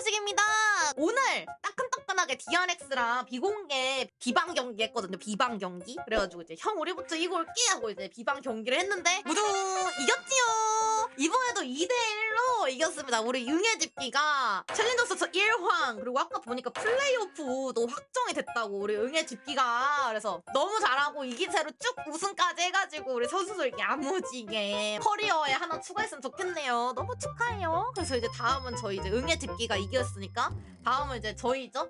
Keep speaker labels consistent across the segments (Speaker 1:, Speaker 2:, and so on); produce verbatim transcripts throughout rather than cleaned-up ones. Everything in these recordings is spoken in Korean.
Speaker 1: 소식입니다. 오늘 따끈따끈하게 디알엑스랑 비공개 비방 경기 했거든요. 비방 경기. 그래가지고 이제 형 우리부터 이거 올게 하고 이제 비방 경기를 했는데 모두 이겼지요. 이번에도 이 대 일로 이겼습니다. 우리 응애 집기가 챌린저스 일 황 그리고 아까 보니까 플레이오프도 확정이 됐다고 우리 응애 집기가. 그래서 너무 잘하고 이 기세로 쭉 우승까지 해가지고 우리 선수들 야무지게 커리어에 하나 추가했으면 좋겠네요. 너무 축하해요. 그래서 이제 다음은 저희 이제 응애 집기가 이겼으니까 다음은 이제 저희죠.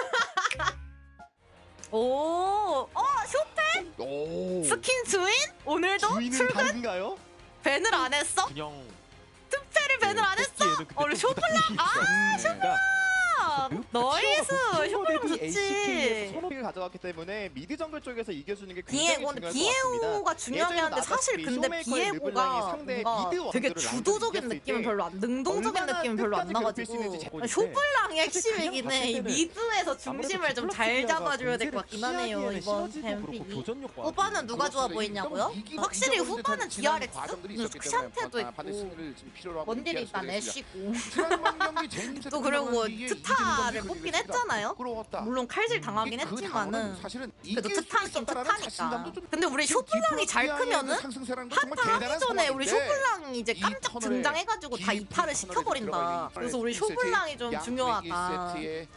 Speaker 1: 오, 어 쇼페?
Speaker 2: 오.
Speaker 1: 스킨 주인? 오늘도
Speaker 2: 주인은
Speaker 1: 출근?
Speaker 2: 다른가요?
Speaker 1: 밴을 안 했어?
Speaker 3: 그냥
Speaker 1: 투페를 밴을 안 했어? 어, 우리 쇼플라? 아,
Speaker 3: 쇼플라.
Speaker 1: 나이스! 쇼플라 좋지.
Speaker 2: 에이치케이에서 선호를 가져갔기 때문에 미드 정글 쪽에서 이겨주는 게 굉장히
Speaker 1: 비에고, 근데
Speaker 2: 중요할 것 같습니다.
Speaker 1: 비에고가 중요하긴 한데 사실 근데 비에고가 뭔가 되게 주도적인 느낌은 별로 안, 능동적인 느낌은 별로 안 나가지고 쇼플랑이 핵심이긴 해. 이 미드에서 중심을 좀 잘 잡아줘야 될 것 같긴 하네요, 이번 뱀픽이. 후반은 누가 좋아 보이냐고요? 확실히 후반은 디알엑스? 크샨테도 있고 원딜이 일단 애쉬고 또 그리고 트타를 뽑긴 했잖아요? 물론 칼질 당하긴 했지만은 그래도 트타는 좀 트타니까. 근데 우리 쇼플랑이 잘 크면은 한타 하기 전에 우리 쇼플랑이 이제 깜짝 등장해가지고 다 이탈을 시켜버린다. 그래서 우리 쇼플랑이 좀 중요하다.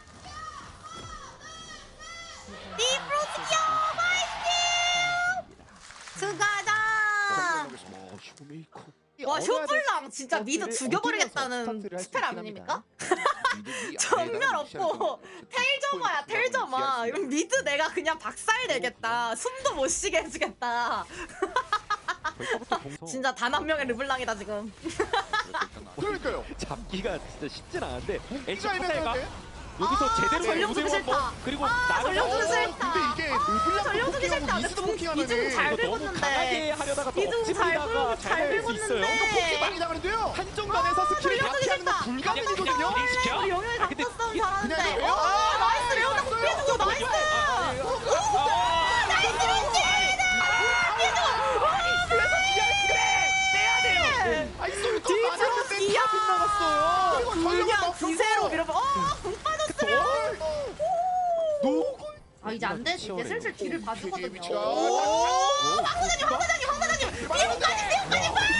Speaker 1: 띠프로스키어 파이팅! 수가자! 와 쇼플랑 진짜 미드 죽여버리겠다는 스펠 아닙니까? 전멸 없고 텔저마야 텔저마. 이런 미드 내가 그냥 박살내겠다. 숨도 못 쉬게 해주겠다. 진짜 단 한 명의 르블랑이다 지금.
Speaker 2: 그러니까요.
Speaker 3: 잡기가 진짜 쉽진 않은데 엔치
Speaker 2: 진짜
Speaker 3: 포탈가
Speaker 2: 애매한데?
Speaker 3: 여기서
Speaker 1: 아,
Speaker 3: 제대로
Speaker 1: 전력주기 싫다.
Speaker 3: 그리고
Speaker 1: 아,
Speaker 3: 나를
Speaker 1: 전력주기
Speaker 3: 어,
Speaker 1: 싫다.
Speaker 2: 근데 이게 르블랑
Speaker 1: 전력주기 싫다. 근데 좀 이중 잘
Speaker 3: 이거 너무 강하게
Speaker 1: 긁었는데
Speaker 3: 하려다가 또
Speaker 1: 이중 잘
Speaker 3: 억지로다가
Speaker 1: 긁- 잘
Speaker 3: 잘할 수 있어요.
Speaker 1: 긁었는데
Speaker 2: 많이 나가는데요. 한정단에서 스킬을
Speaker 1: 전력주기
Speaker 2: 약해하는 건
Speaker 1: 싫다.
Speaker 2: 불가능이거든요.
Speaker 3: 그냥 시켜?
Speaker 1: 우리 영역이
Speaker 3: 아, 근데
Speaker 1: 강타 싸움
Speaker 2: 그냥
Speaker 1: 잘하는데.
Speaker 2: 레오?
Speaker 1: 아 나이스 레오나 굽해주고 나이스.
Speaker 2: 아이 소리 또
Speaker 1: 디플러스
Speaker 2: 맞았는데
Speaker 1: 이야.
Speaker 2: 다 빗나갔어요.
Speaker 1: 그냥 기세로 밀어봐. 어공 빠졌어요.
Speaker 2: 노.
Speaker 1: 아 이제 안 돼. 이제 슬슬 뒤를 봐주거든요.
Speaker 2: 위치가-
Speaker 1: 오 황사장님 황사장님 황사장님 미역까지 미역까지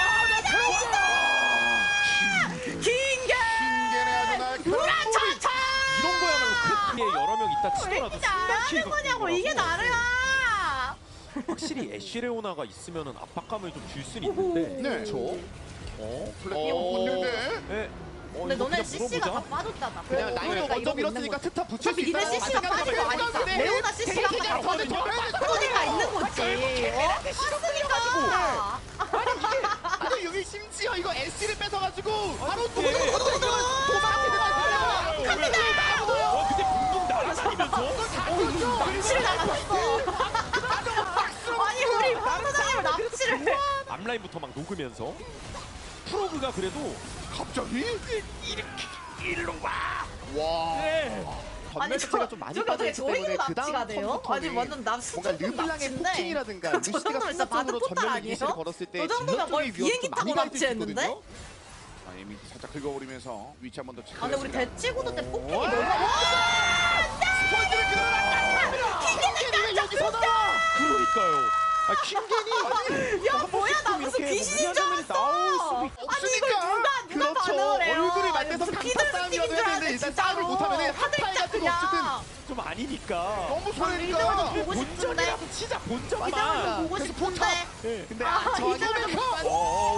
Speaker 1: 긴게 우라차차
Speaker 3: 이런 거야말로 크리에 여러 명 있다
Speaker 1: 왜
Speaker 3: 치더라도
Speaker 1: 이렇게 잘하는 거냐고 이게 나르야.
Speaker 3: 확실히 애쉬레오나가 있으면은 압박감을 좀 줄 수는 있는데
Speaker 2: 네.
Speaker 3: 그렇죠. 어?
Speaker 2: 어, 근데
Speaker 3: 네. 어,
Speaker 1: 근데
Speaker 3: 이거
Speaker 1: 너네
Speaker 3: 그냥
Speaker 1: 씨씨가 다
Speaker 3: 물어보자.
Speaker 1: 빠졌잖아.
Speaker 2: 그냥 라인을
Speaker 1: 그러니까
Speaker 2: 먼저
Speaker 1: 이러고 있는
Speaker 2: 밀었으니까
Speaker 1: 거지.
Speaker 2: 트타 붙일 수
Speaker 1: 어차피
Speaker 2: 있다.
Speaker 1: 니네 씨씨가 빠진 거 아니까 레오나 씨씨가 다 빠진 거 빠지니까 있는 거지. 어? 빠졌으니까.
Speaker 2: 근데 여기 심지어 이거 에스를 뺏어가지고 바로
Speaker 3: 네.
Speaker 2: 도망치는
Speaker 3: 어, 근데 붕붕 날아다니면서
Speaker 1: 납치를 나갔어. 아니 우리 황사장님을 납치를 해.
Speaker 3: 앞라인부터 막 녹으면서 프로브가 그래도
Speaker 2: 갑자기 이렇게 일로 와. 와.
Speaker 3: 네.
Speaker 1: 아니
Speaker 2: 전멸 자체가
Speaker 1: 저
Speaker 2: 좀 많이
Speaker 1: 저기 어떻게
Speaker 2: 빠져있기 때문에
Speaker 1: 저희도
Speaker 2: 그
Speaker 1: 납치가
Speaker 2: 다음
Speaker 1: 돼요?
Speaker 2: 턴부터는
Speaker 1: 아니 완전 납
Speaker 2: 뭔가
Speaker 1: 수준급
Speaker 2: 르블랑의
Speaker 1: 납치인데.
Speaker 2: 포킹이라든가
Speaker 1: 저
Speaker 2: 루시가
Speaker 1: 정도면 진짜
Speaker 2: 순간적으로
Speaker 1: 바드 포탈
Speaker 2: 전멸
Speaker 1: 아니에요?
Speaker 2: 이니시를 걸었을 때
Speaker 1: 저 정도면 거의 비행기 타고 납치했는데?
Speaker 4: 아, 이미 살짝 긁어버리면서 위치 한 번 더 체크.
Speaker 1: 아 근데 우리 대치구도 때 폭행이 너무
Speaker 2: 스포츠를 킹겐이 여기서 나와.
Speaker 3: 그러니까요. 아 킹겐이
Speaker 1: 야 뭐야 나 무슨 귀신인 줄 알았어. 아니 이걸 누가 누가 반응을 해요.
Speaker 2: 얼굴을 맞대서
Speaker 1: 무슨
Speaker 2: 강타
Speaker 1: 피들
Speaker 2: 싸움이라도
Speaker 1: 스틱인 줄
Speaker 2: 해야
Speaker 1: 알았는데
Speaker 2: 되는데 일단
Speaker 1: 진짜로.
Speaker 2: 싸움을 못하면은
Speaker 1: 하들
Speaker 2: 하타이 같은 거
Speaker 1: 그냥.
Speaker 2: 어쨌든
Speaker 3: 좀 아니니까.
Speaker 2: 너무
Speaker 1: 이대로는
Speaker 2: 손해니까.
Speaker 1: 보고 싶은데.
Speaker 3: 본전이라도 치자
Speaker 1: 이대로는
Speaker 3: 본전만.
Speaker 1: 보고
Speaker 2: 그래서
Speaker 1: 싶은데.
Speaker 3: 네.
Speaker 2: 근데
Speaker 1: 아,
Speaker 2: 저
Speaker 1: 이대로는
Speaker 2: 안에는
Speaker 1: 못
Speaker 2: 그-
Speaker 3: 어,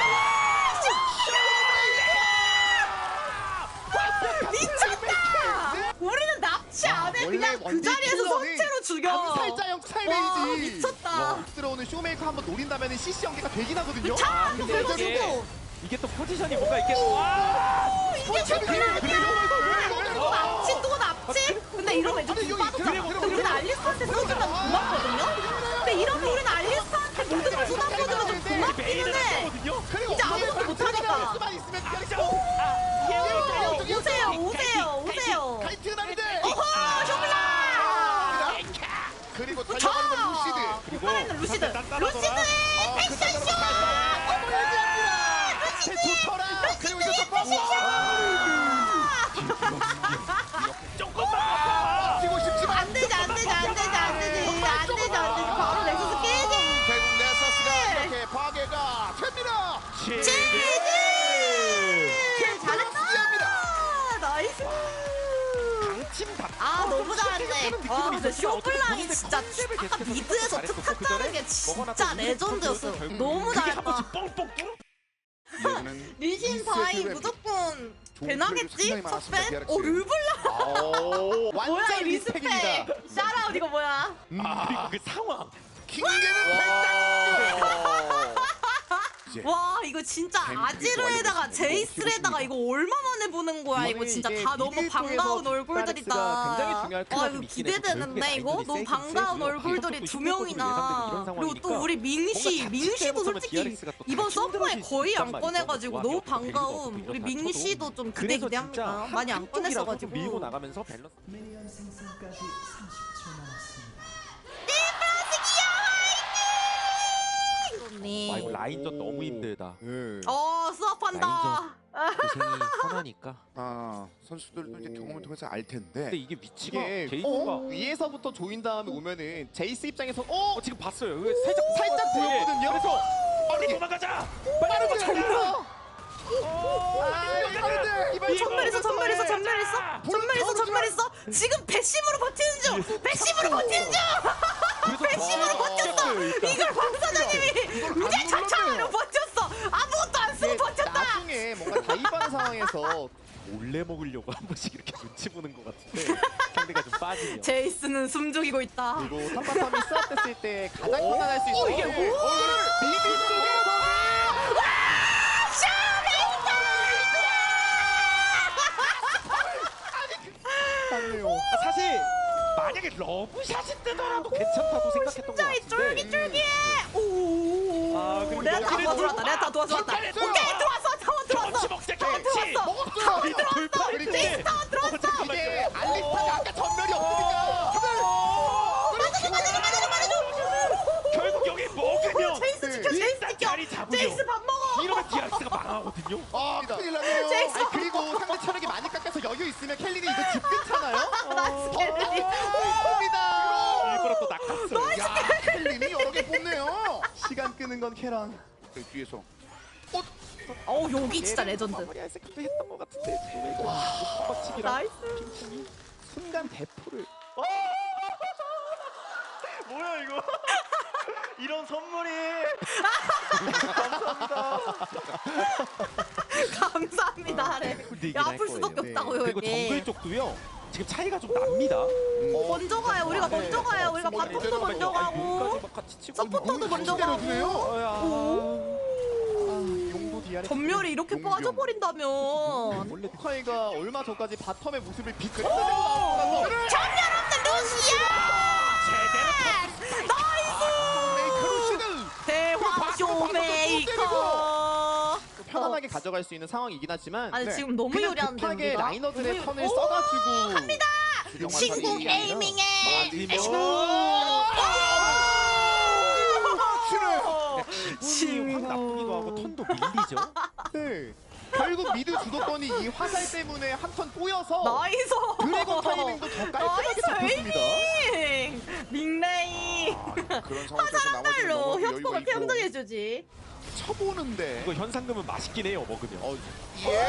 Speaker 1: 미쳤다. 우리는 납치 안 해.
Speaker 2: 원래
Speaker 1: 그냥 그
Speaker 2: 원딜
Speaker 1: 자리에서
Speaker 2: 킬러는
Speaker 1: 성체로 죽여.
Speaker 2: 암살자형
Speaker 1: 와
Speaker 2: 스타일이지.
Speaker 1: 미쳤다.
Speaker 2: 들어오는 쇼메이커 한번 노린다면 씨씨 연계가 되긴 하거든요.
Speaker 1: 차!
Speaker 3: 근데
Speaker 1: 그래가지고
Speaker 3: 이게 이게 또 포지션이 뭔가 이렇게 와
Speaker 1: 이게 좋길래 또 납치 또 납치? 근데 이러면 이제
Speaker 2: 아니,
Speaker 1: 돈
Speaker 2: 여기
Speaker 1: 빠졌잖아.
Speaker 2: 그래,
Speaker 1: 근데
Speaker 2: 그래,
Speaker 1: 우리는
Speaker 2: 그래.
Speaker 1: 알리스한테 써주면 고맙거든요? 근데 이러면 우리는 알리스한테 모든 걸 쏟아부어주면 좀 고맙기는 해.
Speaker 3: 하거든요.
Speaker 2: 그리고
Speaker 1: 이제 아무것도 못하니까.
Speaker 2: 수만 있으면 그냥
Speaker 1: 오, 오세요 오세요 오세요.
Speaker 2: 카이트 남들.
Speaker 1: 어허 쇼블라.
Speaker 2: 그리고 달려가는 건 루시드.
Speaker 3: 그리고
Speaker 1: 살아있는 루시드. 루시드의
Speaker 2: 아, 그
Speaker 1: 액션쇼.
Speaker 2: 어머 얘기합니다. 좋더라. 그리고 이제 또
Speaker 1: 와 근데 쇼블랑이 진짜 아까 미드에서 특탁 짜는 게 진짜 레전드였어. 너무 잘했다.
Speaker 4: 이제는
Speaker 1: 리신 바이 무조건 배나겠지? 첫 팬? 오 르블랑
Speaker 2: 오,
Speaker 1: 뭐야
Speaker 2: 완전
Speaker 1: 이 리스펙.
Speaker 2: 리스펙입니다.
Speaker 1: 샤라웃 이거 뭐야?
Speaker 3: 아 그리고 그 상황.
Speaker 4: 킹게는 팔당.
Speaker 1: 와 이거 진짜 아지르에다가 제이스에다가 이거 얼마 만에 보는 거야 이거 진짜 다 너무 반가운 얼굴들이다.
Speaker 2: 굉장히 중요할 것
Speaker 1: 아
Speaker 2: 같은
Speaker 1: 이거 기대되는데 이거 너무
Speaker 3: 세긴
Speaker 1: 반가운
Speaker 3: 세고요.
Speaker 1: 얼굴들이
Speaker 3: 가격도
Speaker 1: 두
Speaker 3: 십일
Speaker 1: 명이나
Speaker 3: 퍼센트
Speaker 1: 그리고 또
Speaker 3: 예상이니까
Speaker 1: 우리 민시
Speaker 3: 뭔가
Speaker 1: 민시도
Speaker 3: 자칫
Speaker 1: 솔직히
Speaker 3: 디알엑스가 또
Speaker 1: 이번
Speaker 3: 다
Speaker 1: 서브에
Speaker 3: 힘들어질
Speaker 1: 거의
Speaker 3: 수
Speaker 1: 안
Speaker 3: 있단
Speaker 1: 꺼내가지고
Speaker 3: 말이죠.
Speaker 1: 너무
Speaker 3: 또 벨리도
Speaker 1: 반가움.
Speaker 3: 없고
Speaker 1: 우리
Speaker 3: 이런
Speaker 1: 민시도 좀 기대
Speaker 3: 그래서
Speaker 1: 기대합니다.
Speaker 3: 진짜
Speaker 1: 많이 안
Speaker 3: 한쪽이라도 좀 밀고
Speaker 1: 꺼냈어가지고.
Speaker 3: 나가면서 밸런스.
Speaker 5: 미니언 생성까지 삼십 초 남았습니다.
Speaker 3: 아 이거 라인전 너무 힘들다.
Speaker 1: 어 수업한다.
Speaker 3: 고생이 선하니까.
Speaker 4: 아 선수들도 이제 경험을 통해서 알 텐데.
Speaker 3: 근데 이게 위치가
Speaker 2: 이게
Speaker 3: 제이스가
Speaker 2: 어? 위에서부터 조인 다음에 오면은 제이스 입장에서 어?
Speaker 3: 어, 지금 봤어요. 이거 살짝
Speaker 2: 살짝 보였거든요?
Speaker 3: 그래서 빨리 도망가자. 빨리 도망가자.
Speaker 1: 전멸했어 전멸했어 전멸했어 전멸했어 전멸했어 지금 배심으로 버티는 중 배심으로 버티는 중 배심으로 버텼어 이걸 황사장님이 의제 차차로 버텼어 아무것도 안 쓰고 버텼다.
Speaker 2: 나중에 뭔가 다이브하는 상황에서
Speaker 3: 몰래 먹으려고 한 번씩 이렇게 눈치 보는 것 같은데 상대가 좀 빠지네요.
Speaker 1: 제이스는 숨죽이고 있다.
Speaker 2: 그리고 삼바삼이 스왑됐을 때 가장 편안할 수 있어요.
Speaker 1: 이게 뭐?
Speaker 2: 미드 쪽에서
Speaker 3: 아, 사실 만약에 러브샷이 뜨더라도 괜찮다고 생각했던 것
Speaker 1: 진짜
Speaker 3: 같은데.
Speaker 1: 쫄깃쫄깃해. 오.
Speaker 3: 아, 그리고
Speaker 1: 내가 다
Speaker 3: 여기를
Speaker 1: 도와줬다. 내가 다 도와줬다. 오케이 들어왔어. 타원 들어왔어.
Speaker 3: 경치 먹자
Speaker 1: 타원
Speaker 3: 경치.
Speaker 1: 들어왔어. 타원 들어왔어.
Speaker 2: 그리고
Speaker 1: 제이스 타원 들어왔어.
Speaker 2: 이게 알리스타가 아까 전멸이 없으니까
Speaker 1: 맞아줘 맞아줘 맞아줘 맞아줘.
Speaker 3: 결국 여기 먹으면
Speaker 1: 제이스 지켜 제이스
Speaker 3: 일단
Speaker 1: 지켜.
Speaker 3: 자리 잡으면
Speaker 1: 제이스 밥 먹어.
Speaker 3: 이러면 디알엑스가 망하거든요.
Speaker 4: 아 큰일 났네요.
Speaker 1: 제이스.
Speaker 2: 아니 그리고 상대 체력이 많이 깎여서 여유 있으면 켈리는 이거 집 끊잖아요?
Speaker 1: 나이스 켈리.
Speaker 2: 오!
Speaker 3: 일부러 또 낚았어요.
Speaker 4: 야 켈린이 여러 개 뽑네요.
Speaker 2: 시간 끄는 건 캐런.
Speaker 4: 그 뒤에서
Speaker 1: 어우 여기 진짜 레전드.
Speaker 3: 마무리할 생각도 했던 것 같은데 지금 이거 헛박치기랑
Speaker 1: 나이스.
Speaker 3: 핑퐁이
Speaker 2: 순간 대포를
Speaker 3: 뭐야 이거 이런 선물이
Speaker 1: 감사합니다. 하래. 야 아플 수밖에
Speaker 2: 네.
Speaker 1: 없다고요
Speaker 3: 그리고
Speaker 1: 여기.
Speaker 3: 정글 쪽도요 지금 차이가 좀 납니다.
Speaker 1: 먼저 가요. 우리가 먼저 가요. 우리가 바텀도 먼저 가고 서포터도 먼저 가고.
Speaker 2: 용도 디아렉
Speaker 1: 전멸이 이렇게
Speaker 4: 용병.
Speaker 1: 빠져버린다면
Speaker 2: 원래 카이가 얼마 전까지 바텀의 모습을 비틀어내고 나오고 나서
Speaker 1: 전멸 없는 루시아.
Speaker 4: 메이크루시드.
Speaker 1: 대화 쇼메이커.
Speaker 2: 편안하게 가져갈 수 있는 상황이긴 하지만
Speaker 1: 아니
Speaker 2: 네.
Speaker 1: 지금 너무
Speaker 2: 그냥
Speaker 1: 요리한데
Speaker 2: 급하게
Speaker 1: 우리가?
Speaker 2: 라이너들의
Speaker 1: 너무
Speaker 2: 턴을
Speaker 1: 요-
Speaker 2: 써가지고
Speaker 1: 갑니다. 신궁 에이밍에
Speaker 3: 기분이 확 나쁘기도 하고 턴도 밀리죠.
Speaker 2: 네. 결국 미드 주도권이 이 화살 때문에 한 턴 꼬여서
Speaker 1: 나이스.
Speaker 2: 드래곤 타이밍도 더 깔끔하게 잡혔습니다.
Speaker 1: 에이밍 닉네임
Speaker 4: 그런 상황 속에서 나머지
Speaker 1: 화살로
Speaker 4: 너무 여유가
Speaker 1: 협곡을
Speaker 4: 있고
Speaker 1: 평정해주지.
Speaker 4: 쳐보는데.
Speaker 3: 이거 현상금은 맛있긴 해요 먹으면.
Speaker 2: 어,
Speaker 4: 예.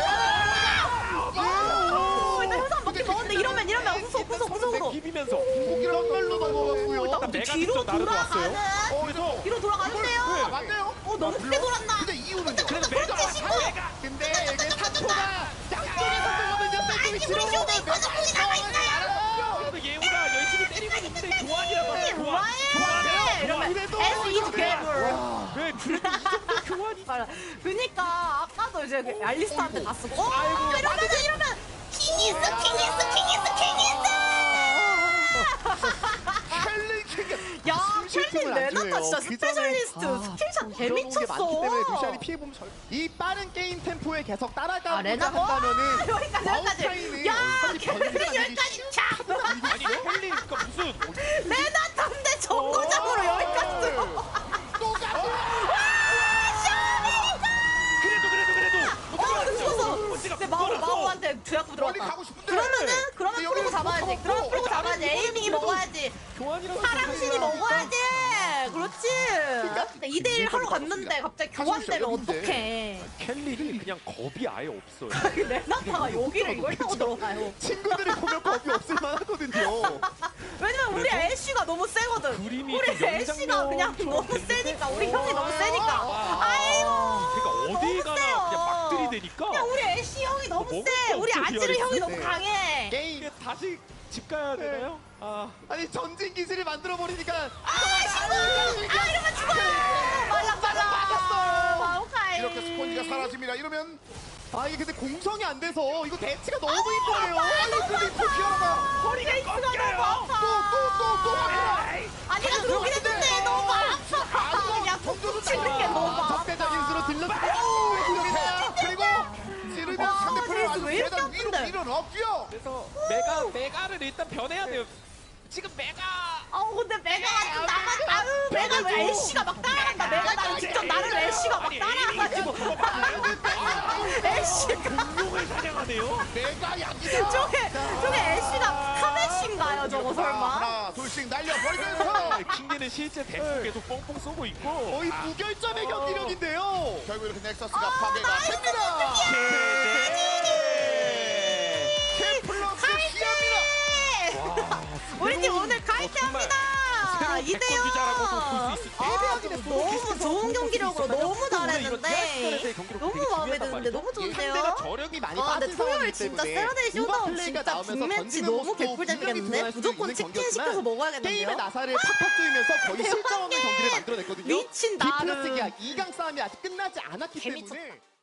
Speaker 1: 오, 일단 현상 먹기 먹었는데 이러면 이러면 후속 후속 후속으로.
Speaker 3: 비비면서
Speaker 2: 고기랑 걸로 넘어갔고요.
Speaker 3: 일단 메가
Speaker 1: 뒤로
Speaker 3: 직접 나르고 왔어요.
Speaker 1: 돌아가는.
Speaker 3: 그래서
Speaker 1: 뒤로 돌아가는데요.
Speaker 2: 아, 맞네요.
Speaker 1: 어 너무 크게 돌았나?
Speaker 4: 근데 이유는요?
Speaker 3: 그래서 메가 메가
Speaker 2: 근데 이게 사포가 양쪽에서 들어오면요.
Speaker 1: 아니 우리 쇼도 있거든. 우리 남아있어요.
Speaker 3: 그래도 예우가 열심히 때리고 있는데 교환이라고 하죠. 교환.
Speaker 1: 좋아해. 이러면
Speaker 2: 그래도
Speaker 1: S is 괴물.
Speaker 3: 왜 그래도 이 정도 교환이
Speaker 1: 맞아. 그니까 아까도 이제 그 알리스타한테 다 쓰고. 어 이러면 이러면 킹이스 킹이스 킹이스 킹이스.
Speaker 2: 켈리 킹.
Speaker 1: 야
Speaker 2: 숨쉴
Speaker 1: 켈린
Speaker 2: 틈을 안
Speaker 1: 레나타
Speaker 2: 주네요.
Speaker 1: 진짜
Speaker 2: 그
Speaker 1: 스페셜리스트
Speaker 2: 전에-
Speaker 1: 스킬샷 개
Speaker 2: 들어오는 게 많기 때문에 루시안이
Speaker 1: 미쳤어.
Speaker 2: 피해 보면 절... 이 빠른 게임 템포에 계속 따라가고자
Speaker 1: 아 레나
Speaker 2: 한다면은
Speaker 1: 여기까지
Speaker 2: 마우카이는
Speaker 1: 여기까지. 야
Speaker 2: 사실
Speaker 1: 켈린
Speaker 2: 번지를
Speaker 1: 여기까지 차.
Speaker 3: 아니 헬리 그러니까 무슨
Speaker 1: 레나타인데 정거장으로 여기까지 들어.
Speaker 3: 그래도 그래도 그래도
Speaker 1: 어 무서워.
Speaker 3: 언제가
Speaker 1: 내 마우 마우한테 주약부
Speaker 4: 멀리
Speaker 1: 들어갔다.
Speaker 4: 가고 싶은데.
Speaker 1: 그러면은 그러면
Speaker 4: 근데
Speaker 1: 풀고
Speaker 4: 여기는
Speaker 1: 잡아야지.
Speaker 4: 못
Speaker 1: 그러면
Speaker 4: 잡고.
Speaker 1: 풀고 잡아야지. 에이밍이 먹어야지.
Speaker 3: 교환이라고
Speaker 1: 파랑신이 먹어야지. 그렇지. 이 대 일 하러 갔는데 갑자기 근데 교환되면 어떡해.
Speaker 3: 켈리는 그냥 겁이 아예 없어요.
Speaker 1: 레나타가 여기를 이걸 타고 들어가요.
Speaker 2: 친구들이 보면 겁이 없을 만하거든요.
Speaker 1: 왜냐면 우리
Speaker 3: 그래서
Speaker 1: 애쉬가 너무 세거든.
Speaker 3: 그림이
Speaker 1: 우리
Speaker 3: 좀
Speaker 1: 애쉬가 그냥
Speaker 3: 연장형처럼
Speaker 1: 너무
Speaker 3: 됐는데?
Speaker 1: 세니까 우리 형이 너무 세니까.
Speaker 3: 아,
Speaker 1: 아이고.
Speaker 3: 그러니까 어디 가나
Speaker 1: 세요.
Speaker 3: 그냥 막 들이대니까
Speaker 1: 그냥 우리 애쉬 형이 너무
Speaker 3: 먹을
Speaker 1: 세.
Speaker 3: 게
Speaker 1: 우리
Speaker 3: 없어,
Speaker 1: 아지르 형이
Speaker 3: 디아리스.
Speaker 1: 너무
Speaker 2: 네.
Speaker 1: 강해.
Speaker 2: 게임
Speaker 3: 이게 다시 집 가야 되나요? 아,
Speaker 2: 아니 전진 기술을 만들어 버리니까
Speaker 1: 아 죽어. 아 이러면 죽어요. 말랑 말랑.
Speaker 2: 맞았어요.
Speaker 1: 마오카이.
Speaker 4: 이렇게 스폰지가 사라집니다. 이러면
Speaker 2: 아 이게 근데 공성이 안 돼서 이거 대치가 너무 이뻐요. 아니 근데 또 기어나가.
Speaker 1: 허리가 너무 아파.
Speaker 4: 또또또또
Speaker 1: 아니 나 들어오긴 했는데 너무 아파. 그냥 푹푹 치는 게 너무 아파.
Speaker 2: 적대적 인수로 들렀습니다.
Speaker 4: 그리고 찌르면
Speaker 1: 와,
Speaker 4: 상대편을
Speaker 1: 제이스
Speaker 4: 아주
Speaker 1: 왜 이렇게
Speaker 4: 계단 위로
Speaker 1: 아픈데?
Speaker 4: 밀어넣고요.
Speaker 3: 그래서 메가 메가를 일단 변해야 돼요. 지금 메가
Speaker 1: 아우 근데 메가 좀 나만 아유 메가 왜 애쉬가 막 따라간다. 메가 나를 직접 나를 애쉬가 막 따라가가지고 애쉬가
Speaker 3: 공룡을 사냥하네요.
Speaker 4: 내가 약이다.
Speaker 1: 저게 저게 애쉬가 카메쉬인가요 저거 설마?
Speaker 4: 하나 둘씩 날려버리면서
Speaker 3: 킹리는 실제 대포 계속 뻥뻥 쏘고 있고
Speaker 2: 거의 무결점의 경기력인데요.
Speaker 4: 결국 이렇게 넥서스가 파괴가 됩니다. 캠플러스 기합니다.
Speaker 1: 우리 팀 오늘 갈퇴합니다. 이대요. 아 너무 좋은 경기력으로 너무 잘했는데 너무 마음에 드는데 너무 좋은데요.
Speaker 2: 상대가 저력이 많이
Speaker 1: 아 근데
Speaker 2: 빠진
Speaker 1: 토요일
Speaker 2: 상황이기
Speaker 1: 진짜
Speaker 2: 때문에
Speaker 1: 세러데이
Speaker 2: 우바
Speaker 1: 쇼다운
Speaker 2: 플레이가
Speaker 1: 진짜
Speaker 2: 나오면서
Speaker 1: 빅매치
Speaker 2: 던지는
Speaker 1: 너무
Speaker 2: 모습도
Speaker 1: 개꿀잼이겠는데?
Speaker 2: 분명히
Speaker 1: 무조건
Speaker 2: 드러날 수 있는
Speaker 1: 치킨 시켜서
Speaker 2: 경기였지만
Speaker 1: 먹어야겠는데요?
Speaker 2: 게임의 나사를 팍팍 뚫면서 거의 실점 없는 경기를 만들어냈거든요.
Speaker 1: 미친 나를.
Speaker 2: 디플러스기야 이 강 싸움이 아직 끝나지 않았기
Speaker 1: 개미쳤다.
Speaker 2: 때문에